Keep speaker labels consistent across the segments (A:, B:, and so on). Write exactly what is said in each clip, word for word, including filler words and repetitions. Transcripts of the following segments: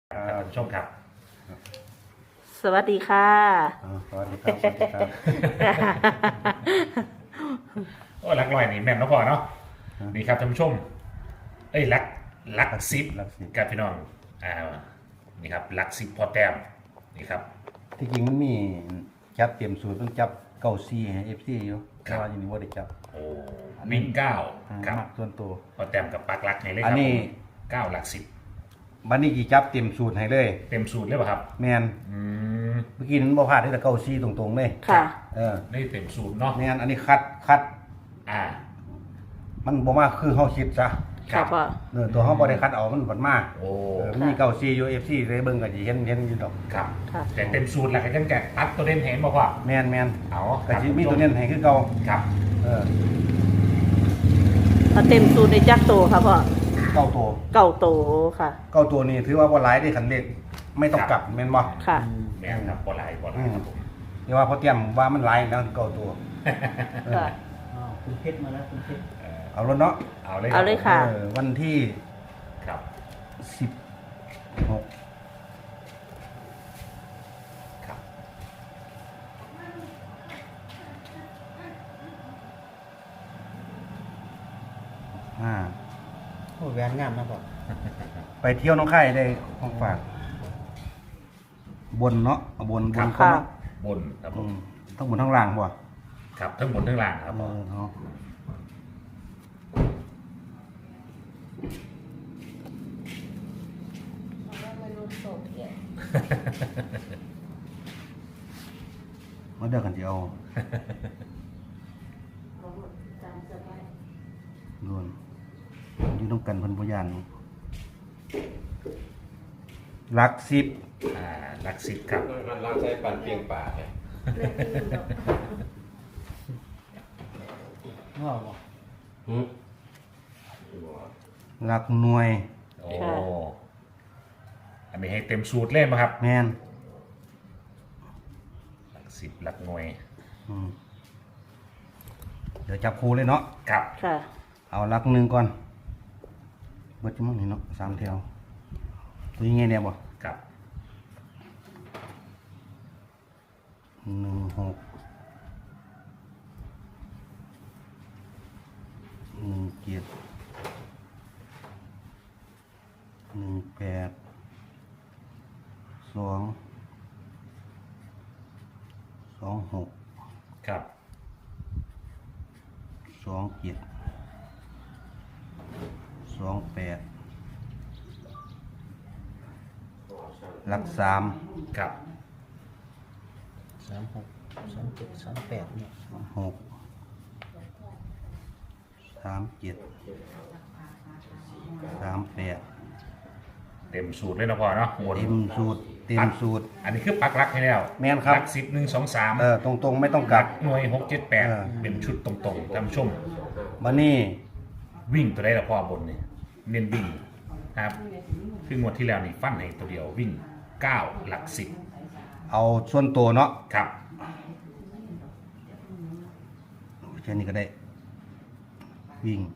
A: ท่านผู้ชมครับ
B: สวัสดีค่ะ
C: สวัสดีครับสวัสดีครับ
A: โอ้ลักลอยนี่แม่นเนาะพ่อเนาะนี่ครับท่านผู้ชมเอ้ยลักลักซิปกับพี่น้องอ่านี่ครับลักซิปพอแต้มนี่ครับ
C: ที่จริงมันมีจับเตรียมสูตรต้องจับเก้าซีให้เอฟซีอยู่แต่ว่าอย่างนี้ว่าได้จับ
A: โอ้วิ่งเก้าครับ
C: มักส่วนตัว
A: พอแต้มกับปักลักให้เลยค
C: รั
A: บ
C: อันนี้
A: เก้าหลักสิบ
C: บัดนี้กี่จับเตรียมสูตรให้เลย
A: เต็มสูตรเลยป่ะครับ
C: แมน
A: อืม
C: เมื่อกี้นั้นบ่พลาดที่แต่เก้าซีตรงๆเลย
B: ค่ะ
C: เออ
A: นี่เต็มสูตรเนาะ
C: แมนอันนี้คัดคัด
A: อ่า
C: มันบ่มาคือเฮาคิดซะ
B: ค่ะพ่อ
C: เออตัวเฮาบ่ได้คัดเอามันบัดมา
A: โอ้
C: มันมีเก้าซีอยู่ เอฟ ซี เลยเบิ่งก็สิเห็นเห็นอยู่ดอก
A: ครับแต่เต็มสูตรแล้วก็ยังแกะตัดตัวเด่นเห็นบ่พ่อ
C: แมนแมน
A: เอา
C: ก็สิมีตัวเน้นให้คือเก่า
A: ครับ
C: เออ
B: เอาเต็มสูตรในจักโตค่ะพ่อ
C: เก้าตัว
B: เก่าโตค่ะ
C: เก้าตัวนี้ถือว่าบ่หลายได้คันเลขไม่ต้องกลับแม่นบ่
B: ค่ะ
A: แม่นครับบ่หลายบ่หลายครับผม
C: นี่ว่าพอเตรียมว่ามันหลายแล้วเก้าตัว
B: ค่ะ
D: คุณเพชรมาแล้วคุณเพชร
C: เอารถเนาะ
A: เอาเลย
B: เอาเลยค่ะ
C: วันที่
A: ครับ
C: สิบหก
A: ครับ
C: ห้า
D: โอ้แหวนงามนะพ่อ
C: ไปเที่ยวน้องไข่ได้ของฝากบนเนาะเอาบนบน
B: ค่ะ
A: บนครับผม
C: ทั้งบนทั้งล่างบ่
A: ครับทั้งบนทั้งล่างครับผม
C: เนาะมาเดือกันจะเอาโดนอยู่ต้องกันพันพยานลักสิบ
A: อ่าลักสิบครับ
E: ลักใช้ปันเพียงป่าเนี่ย
D: ว้าว
C: ลักหน่วย
A: โอ้อันนี้ให้เต็มสูตรเล่นไหมครับ
C: แมน
A: หลักสิบหลักหน่วย
C: เดี๋ยวจับครูเลยเนาะ
A: ครับ
B: ค่ะ
C: เอาลักหนึ่งก่อนเบิดจะมั่งนี่เนาะสามแถวตัวยังไงเนี่ยบ่
A: ครับ
C: หนึ่งหกหนึ่งเจ็ดหนึ่งแปดสองสองหก
A: ครับ
C: สองเจ็ดสองแปดหลักสาม
A: ครับ
D: สามหกสามเจ็ดสามแปดเนี่ย
C: หกสามเจ็ดสามแปด
A: เต็มสูตรเลยนะพ่อเนาะ
C: เต็มสูตรเต็มสูตร
A: อันนี้คือปักลักให้แล้ว
C: แม่นครับ
A: ลักสิบหนึ่งสองสาม
C: เออตรงๆไม่ต้องกลับ
A: หน่วยหกเจ็ดแปดเป็นชุดตรงๆท่านผู้ชม
C: บันนี้
A: วิ่งตัวได้ละพ่อบนนี่เน้นวิ่งครับคืองวดที่แล้วนี่ฟันให้ตัวเดียววิ่งเก้าหลักสิบ
C: เอาส่วนตัวเนาะ
A: ครับ
C: แค่นี้ก็ได้วิ่ง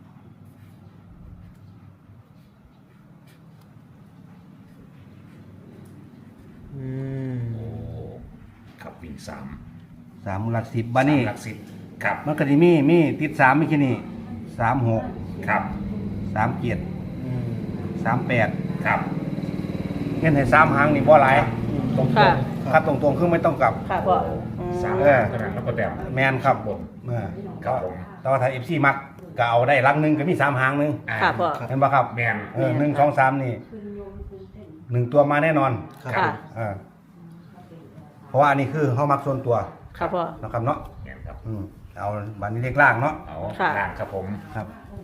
D: อืม
A: โอ้ครับวิ่งสาม
C: สามหลักสิบบันนี้
A: หลักสิบครับ
C: มันก็จะมีมีติดสามไม่แค่นี้สามหก
A: ครับ
C: สามเจ็ดสามแปด
A: ครับ
C: เห็นให้สามหางนี่บ่หลาย
A: ตรง
B: ค่ะ
C: ครับตรงๆคือไม่ต้องกลับ
B: ค่ะพ่อ
A: สาม
C: เออ
A: ขนาดแล้วก็แต้ม
C: แมนครับ
A: บน
C: เออ
A: ครับผม
C: แต่ว่าถ้าเอฟซีมักก็เอาได้ลักหนึ่งก็มีสามหางหนึง
A: อ่า
B: ค่ะพ่อ
C: เห็นปะครับ
A: แมน
C: เออหนึ่งสองสามนี่หนึ่งตัวมาแน่นอน
B: ค่ะ
C: เออเพราะว่าอันนี้คือเขามักส่วนตัว
B: ค่ะพ่อ
C: นะครับเนาะ
A: แมนครับ
C: อืมเอาบันนี้เลขล่างเนาะ
A: เอา
B: ค่ะ
A: ล่างครับผม
C: ครับ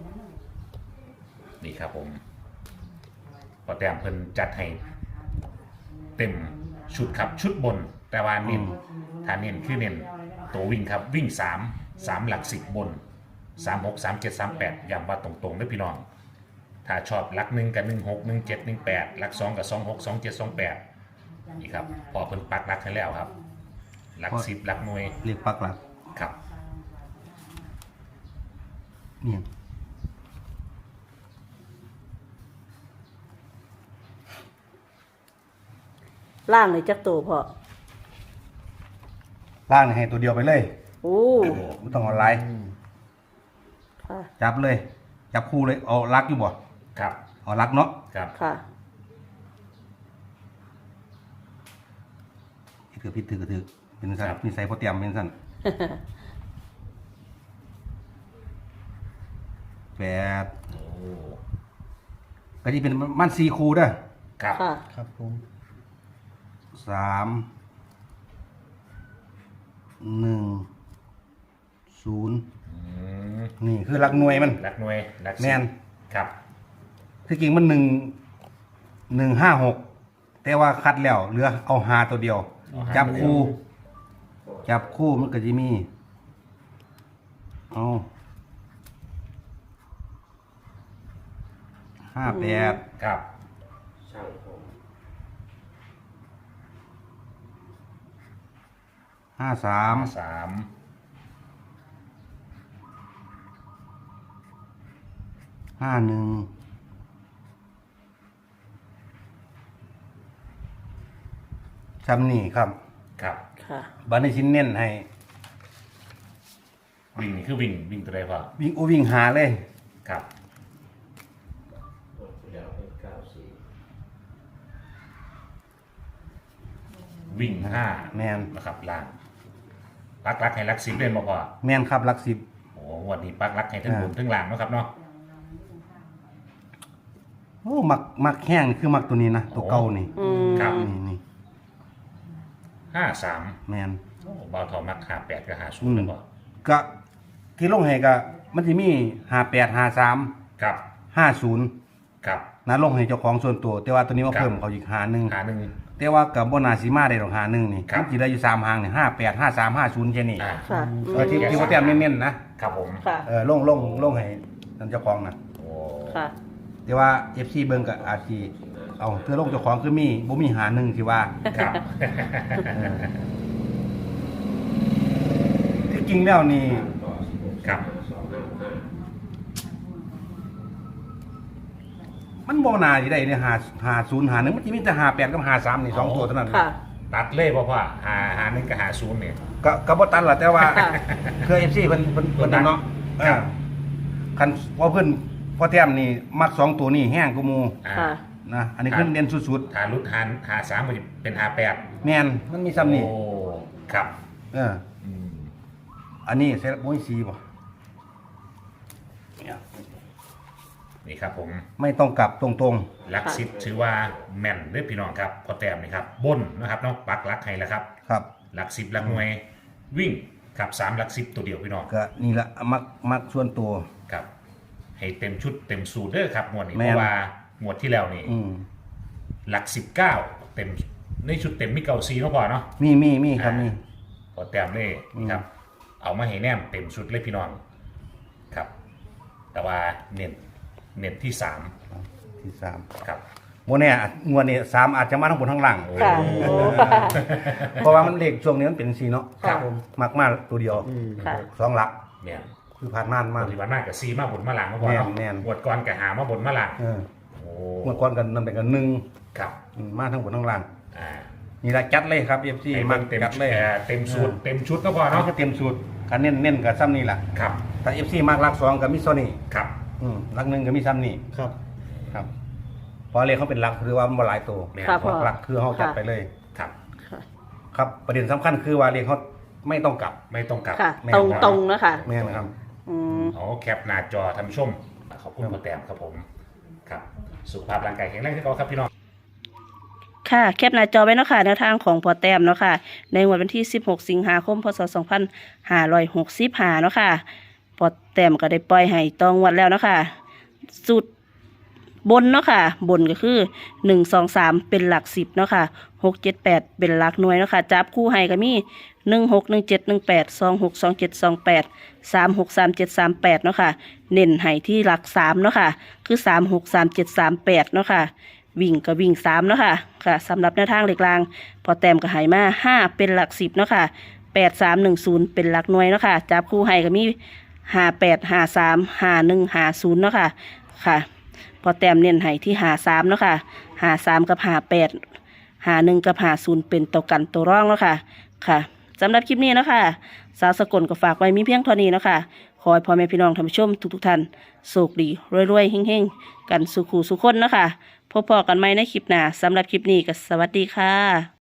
A: นี่ครับผมพอแต้มเพิ่นจัดให้เต็มชุดครับชุดบน แต่ว่าเน้นถ้าเน้นคือเน้นตัววิ่งครับวิ่งสามสามหลักสิบบนสามหกสามเจ็ดสามแปดย้ำว่าตรงๆด้วยพี่น้องถ้าชอบหลักหนึ่งกับหนึ่งหกหนึ่งเจ็ดหนึ่งแปดหลักสองกับสองหกสองเจ็ดสองแปดนี่ครับพอเพิ่นปักหลักให้แล้วครับหลักสิบหลักหน่วย
C: เรียกปักหลัก
A: ครับ
C: เนี่ย
B: ล่างในจักตัวพ่อ
C: ล่างนี่ให้ตัวเดียวไปเลย
B: โอ้
C: ไม่ต้องเอาไลน์
B: ค่ะ
C: จับเลย จับคู่เลยเอาลักอยู่บ่
A: ครับ
C: เอาลักเนาะ
A: ครับ
B: ค่ะ
C: ถือพิษถือก็ถือเป็นสั่นนิสัยพอเตรียมเป็นสั่นแปด
A: โอ้
C: ก็ที่เป็นมันสี่คู่เด้อ
A: ครับ
B: ค่ะ
D: ครับผม
C: สามหนึ่งศูนย์
A: อืม
C: นี่คือหลักหน่วยมัน
A: รักหน่วยรักสิบ
C: แม่น
A: ครับ
C: ที่จริงมันหนึ่งหนึ่งห้าหกแต่ว่าคัดแล้วเหลือเอาหาตัวเดียว จับคู่ จับคู่มันก็จะมี เอาห้าแปด
A: ครับ
C: ห้าสาม
A: สาม
C: ห้าหนึ่งจำนี่ครับ
A: ครับ
B: ค่ะ
C: บันในชิ้นเน้นให้
A: วิ่งนี่คือวิ่งวิ่งตัวใดพ่อ
C: วิ่งโอวิ่งหาเลย
A: ครับ วิ่งห้า
C: แมน
A: นะครับล่างปักรักให้รักสิบเล่นมาพอ
C: แมนครับหลักสิบ
A: โอ้งวันนี้ปักรักให้ทั้ง
C: อ่า
A: บนทั้งล่างเนาะครับเนาะ
C: โอ้มักมักแห้งนี่คือมักตัวนี้นะ ตัวเก่านี่
B: อืม
A: ครับ
C: นี่นี่
A: ห้าสาม
C: แมน
A: โอ้บอลทอมักหาแปดกับหาศู
C: อื
A: นย์
C: ม
A: เลยบ่
C: ก็ที่ลงให้ก็มันจะมีห้าแปดห้าสาม
A: ครับ
C: ห้าศูนย์
A: ครับ
C: นะลงให้เจ้าของส่วนตัว แต่ว่าตัวนี้มา
A: ครับ
C: เพิ่มเขาอีกหาหนึ่ง
A: หาหนึ่ง
C: แต่ว่ากับบนาซีมาได้ดอกหาหนึ่งนี่
A: ครับ
C: มันจะได้อยู่สามหางนี่ห้าแปดห้าสามห้าศูนย์แค่นี้
A: อ่า
B: ค่ะ
C: เออที่ที่ว่าแต้มเน้นๆนะครับ
A: ผม
B: ค่ะ
C: เออลงลงลงให้นั่นเจ้าของนะ
A: โอ้
B: ค่ะ
C: แต่ว่าเอฟซีเบิ่งก็อาจสิเอาเพื่อลงเจ้าของคือมีบ่มีหาหนึ่งที่ว่า
A: ครับ
C: ที่จริงแล้วนี่
A: ครับ
C: มันบ่น่าสิได้เนี่ยหาหาศูนย์หาหนึ่งมันจะมีแต่หาแปดกับหาสามนี่สองตัวเท่านั้น
B: ค่ะ
A: ตัดเล่บ่พ่อหาหาหนึ่งกับหาศูนย์เนี่ย
C: ก็ก็บ่ตันล่ะแต่ว่า
B: ค่ะ
C: เคย เอฟ ซีเพิ่นเพิ่นเพิ่นนั่นเนาะ
A: ครับ
C: เออคันพอเพิ่นพอแต้มนี่มักสองตัวนี่แห้งกว่าหมู่
A: อ่า
B: ค่ะ
C: นะอันนี้คือเน้นสุด
A: หารุดหาหาสามมันจะเป็นหาแปด
C: ๆแม่นมันมีซ้ำนี่
A: โอ้ครับ
C: เออ
A: อืม
C: อันนี้เซรั่มโอ้ยสีบ่เนี่ย
A: นี่ครับผม
C: ไม่ต้องกลับตรง
A: หลักสิบถือว่าแม่นเด้อพี่น้องครับพอแต้มนี่ครับบนนะครับเนาะปักหลักให้แล้วครับ
C: ๆครับ
A: หลักสิบหลักหน่วยวิ่งครับสามหลักสิบตัวเดียวพี่น้อง
C: ก็นี่ละมักมักส่วนตัว
A: ครับ ให้เต็มชุดเต็มสูตรเด้อครับงวดนี้
C: แม่
A: เพ
C: น
A: ราะว่า งวดที่แล้วนี่
C: อืม
A: หลักสิบเก้าเต็มในชุดเต็มมิเกาซีเนาะพอเนาะ
C: มีมีมีครับมี
A: พอแต้มเล่นี่ครับ เอามาให้แนมเต็มชุดเลยพี่น้องครับ แต่ว่าเน้นเน้นที่สาม
C: ที่สาม
A: ครับ
C: โมเนี่ยงวดนี้สามอาจจะมาทั้งบนทั้งล่าง
B: ค่ะ โอ้ค่ะ
C: เพราะว่ามันเลขช่วงนี้มันเป็นสีเนาะ
B: ครับ
C: มักมากตัวเดียว
B: ค่ะ
C: สองหลัก
A: เนี่ย
C: คือผ่านม่านมาก
A: ปฏิบัติมากกับซีมาบนมาหลังมาพอเนาะ
C: แม่นแม่น
A: งวดก่อนกับหามาบนมาหลัง
C: เออ
A: โอ้
C: เมื่อก่อนกันนั่นเป็นกันหนึ่ง
A: ครับ
C: อืมมาทั้งบนทั้งล่าง
A: อ่า
C: นี่ละจัดเลยครับเอฟซี
A: ให้
C: มั
A: เบิ่
C: ก
A: งเต็ม
C: จัดเลย
A: เอ่อเต็มสูตรเต็มชุดก็พอ
C: เนาะ
A: เนาะ
C: ก็เต็มสูตรการเน้นเน้นกับซ้ำนี่แหละ
A: ครับ
C: แต่เอฟซีมากรักสองกับมิโซนี่
A: ครับ
C: อืมรักหนึ่งกับมิซ้ำนี่
D: ครับ
C: ครับเพราะเลขเขาเป็นรักคือว่ามันบ่หลายตัว
A: แม่น
B: ครับ
A: พอ
C: รักคือเขาจัดไปเลย
A: ครับ
B: ค่ะ
C: ครับประเด็นสำคัญคือว่าเลขเขาไม่ต้องกลับ
A: ไม่ต้องกลับ
B: ค่ะ
C: แม่น
B: ตรง
C: ครับ
B: ตรงๆนะคะ
C: แม่นะครับ
B: อืม
A: อ๋อแคปหน้าจอท่านผู้ชมขอบคุณพ่อแต้มครับผมครับ สุขภาพร่างกายแข็งแรงที่เขาครับพี่น้อง
B: ค่ะแคปหน้าจอไว้เนาะค่ะแนวทางของพอแต้มเนาะค่ะ ในงวดวันที่ สิบหก สิงหาคม พศ สองพันห้าร้อยหกสิบห้า เนาะค่ะพอแต้มก็ได้ปล่อยให้ตองวัดแล้วเนาะค่ะสุดบนเนาะค่ะ บนก็คือหนึ่ง สอง สามเป็นหลักสิบเนาะค่ะหก เจ็ด แปดเป็นหลักหน่วยเนาะค่ะจับคู่ให้ก็มีหนึ่ง หก หนึ่ง เจ็ด หนึ่ง แปด สอง หก สอง เจ็ด สอง แปด สาม หก สาม เจ็ด สาม แปดเนาะค่ะเน้นให้ที่หลักสามเนาะค่ะคือสาม หก สาม เจ็ด สาม แปดเนาะค่ะวิ่งก็วิ่งสามเนาะค่ะค่ะสำหรับแนวทางเหล็กลางพอแต้มก็ให้มาห้าเป็นหลักสิบเนาะค่ะแปด สาม หนึ่ง ศูนย์เป็นหลักหน่วยเนาะค่ะจับคู่ให้ก็มีห้า แปด ห้า สาม ห้า หนึ่ง ห้า ศูนย์เนาะค่ะค่ะพอแต้มเน้นให้ที่ห้า สามเนาะค่ะห้า สามกับห้า แปดหาหนึ่งกับหาศูนย์เป็นตัวกันตัวร่องแล้วค่ะค่ะสำหรับคลิปนี้เนาะคะสาวสกลก็ฝากไว้มีเพียงเท่านี้เนาะคะขอให้พ่อแม่พี่น้องท่านผู้ชมทุกๆท่านโชคดีรวยๆเฮงๆกันสุขูสุขคนเนาะคะพบพอกันใหม่ในคลิปหน้าสำหรับคลิปนี้ก็สวัสดีค่ะ